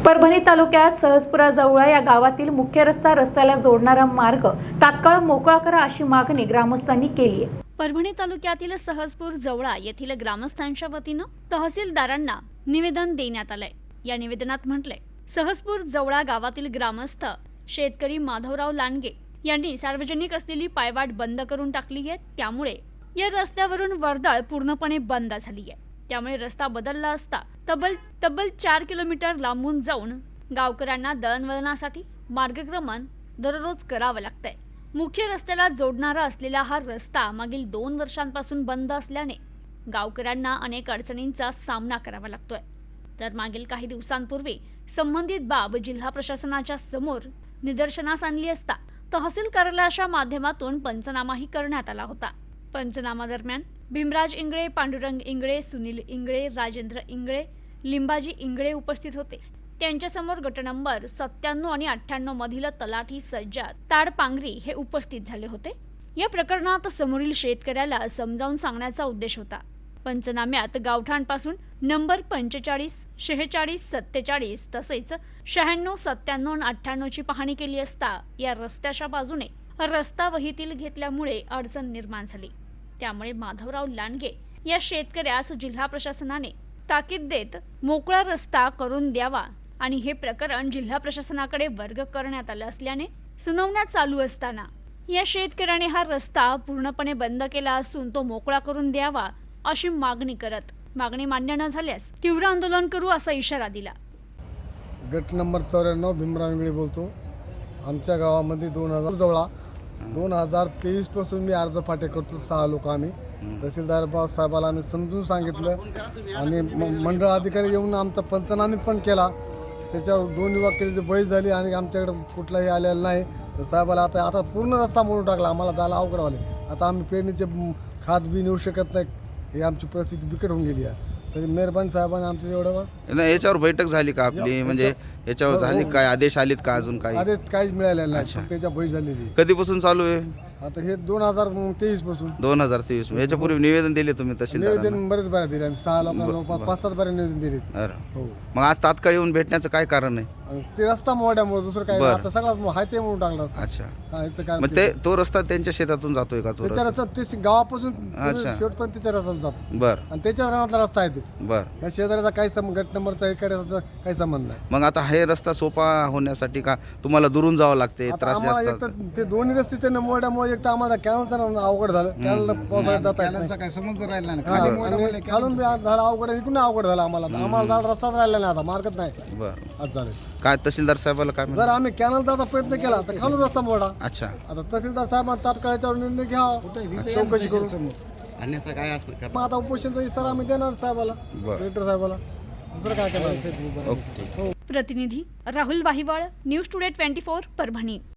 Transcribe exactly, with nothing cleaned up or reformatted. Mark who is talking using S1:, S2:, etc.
S1: परभणी तालुक्यात सहजपुरा जवळ या गावातील मुख्य रस्ता रस्त्याला जोडणारा मार्ग तात्काळ मोकळा करा अशी मागणी ग्रामस्थांनी केली आहे।
S2: परभणी तालुक्यातील सहजपूर जवळा येथील ग्रामस्थांच्या वतीनं तहसीलदारांना निवेदन देण्यात आलंय। या निवेदनात म्हटलंय, सहजपूर जवळा गावातील ग्रामस्थ शेतकरी माधवराव लांडगे यांनी सार्वजनिक असलेली पायवाट बंद करून टाकली आहे। त्यामुळे या रस्त्यावरून वर्दळ पूर्णपणे बंद झाली आहे। त्यामुळे रस्ता बदलला असता तब्बल तब्बल चार किलोमीटर लांबून जाऊन गावकऱ्यांना दळणवळणासाठी मार्गक्रमण दररोज करावं लागतंय। मुख्य रस्त्याला जोडणारा असलेला हा रस्ता मागील दोन वर्षांपासून बंद असल्याने गावकऱ्यांना अनेक अडचणींचा सामना करावा लागतोय। तर मागील काही दिवसांपूर्वी संबंधित बाब जिल्हा प्रशासनाच्या समोर निदर्शनास आणली असता तहसील कार्यालयाच्या माध्यमातून पंचनामाही करण्यात आला होता। पंचनामा दरम्यान भीमराज इंगळे, पांडुरंग इंगळे, सुनील इंगळे, राजेंद्र इंगळे, लिंबाजी इंगळे उपस्थित होते। त्यांच्यासमोर गट नंबर सत्त्याण्णव आणि अठ्ठ्याण्णव मधील तलाठी सज्जाद ताडपांगरी हे उपस्थित झाले होते। या प्रकरणात समोरील शेतकऱ्याला समजावून सांगण्याचा उद्देश होता। पंचनाम्यात गावठाणपासून नंबर पंचेचाळीस, शेहेचाळीस, सत्तेचाळीस तसेच शहाण्णव, सत्त्याण्णव आणि अठ्ठ्याण्णव ची पाहणी केली असता या रस्त्याच्या बाजूने रस्ता वहीतील घेतल्यामुळे अडचण निर्माण झाली। त्यामुळे माधवराव लांडगे या शेतकऱ्यास जिल्हा प्रशासनाने ताकीद देत मोकळा रस्ता करून द्यावा आणि हे प्रकरण जिल्हा प्रशासनाकडे वर्ग करण्यात आले असल्याने सुनावण्या चालू असताना या शेतकऱ्याने हा रस्ता पूर्णपणे बंद केला असून तो मोकळा करून द्यावा अशी मागणी करत मागणी मान्य न झाल्यास तीव्र आंदोलन करू असा इशारा दिला।
S3: गट नंबर चौऱ्याण्णव भीमराव इंगळे बोलतो। आमच्या गावामध्ये दोन हजार जवळा दोन हजार तेवीस पासून मी अर्ज फाटे करतो। सहा लोक आम्ही तहसीलदार साहेबाला आम्ही समजून सांगितलं आणि मंडळ अधिकारी येऊन आमचा पंचनामे पण केला। त्याच्यावर दोन युवक बळी झाली आणि आमच्याकडे कुठलाही आलेला नाही। तर साहेबाला आता आता पूर्ण रस्ता मोडून टाकला, आम्हाला जायला अवघड व्हाले। आता आम्ही पेरणीचे खात बी नेऊ शकत नाही, ही आमची परिस्थिती बिकट होऊन गेली आहे। तरी मेहरबानी साहेबांनी आमचं एवढं
S4: नाही याच्यावर बैठक झाली का आपली, म्हणजे याच्यावर झाली काय, आदेश आलेत का अजून काही?
S3: आदेश काहीच मिळालेला नाही, त्याच्या बळी झालेली।
S4: कधीपासून चालू आहे?
S3: आता हे दोन हजार तेवीस पासून
S4: दोन हजार तेवीस याच्यापूर्वी निवेदन दिले तुम्ही तहसीलदारांना?
S3: निवेदन बरेच बरे दिले आम्ही, सहा लोकांना पाच सात बरे निवेदन दिले। हो,
S4: मग आज तात्काळ येऊन भेटण्याचं काय कारण आहे?
S3: ते रस्ता मोड्यामुळे दुसरं काय, आता सगळा हाय ते म्हणून टाकला रस्ता।
S4: अच्छा,
S3: हा, याचं काय
S4: मग ते तो रस्ता त्यांच्या शेतातून जातोय का? तो
S3: त्याच्या
S4: रस्ता
S3: रस्ता ते गावापासून
S4: अच्छा.
S3: शेवटपर्यंत त्याच्या रस्त्यात जातो
S4: बर
S3: आणि त्याच्या रानातला रस्ता आहे ते।
S4: बर
S3: या शेजाऱ्याचा काही संबंध, गट नंबरचा इकडे काही संबंध नाही।
S4: मग आता हे रस्ता सोपा होण्यासाठी का तुम्हाला दुरून जावं लागते,
S3: आता
S4: त्रास
S3: आम्हाला
S4: जास्त?
S3: एक तर ते दोन्ही रस्ते त्यांना मोड्यामुळे एक तर आम्हाला कॅनलचा अवघड झालं, कॅनल पावसाळ्यात जाता येत नाही।
S5: काय समज राहिला नाही,
S3: हा, आणि खालून बी आज झालं अवघड, इकडून अवघड झालं आम्हाला। आम्हाला झाला रस्ताच राहिला नाही, आता मार्गच नाही
S4: बर
S3: आज झालं।
S4: काय तहसीलदार साहेबाला काय म्हणलं?
S3: जर आम्ही कॅनल जायचा प्रयत्न केला तर खालून रस्ता मोडा।
S4: अच्छा,
S3: आता तहसीलदार साहेबांना तात्काळ याच्यावर निर्णय घ्यावा, चौकशी करून।
S5: अन्यथा काय असतं?
S3: मग आता उपोषणचा इशारा आम्ही देणार साहेबाला,
S4: बरं.
S3: कलेक्टर साहेबाला, दुसरं काय करणार?
S4: ओके.
S2: प्रतिनिधी Rahul Wahiwal, news today twenty four Parbhani.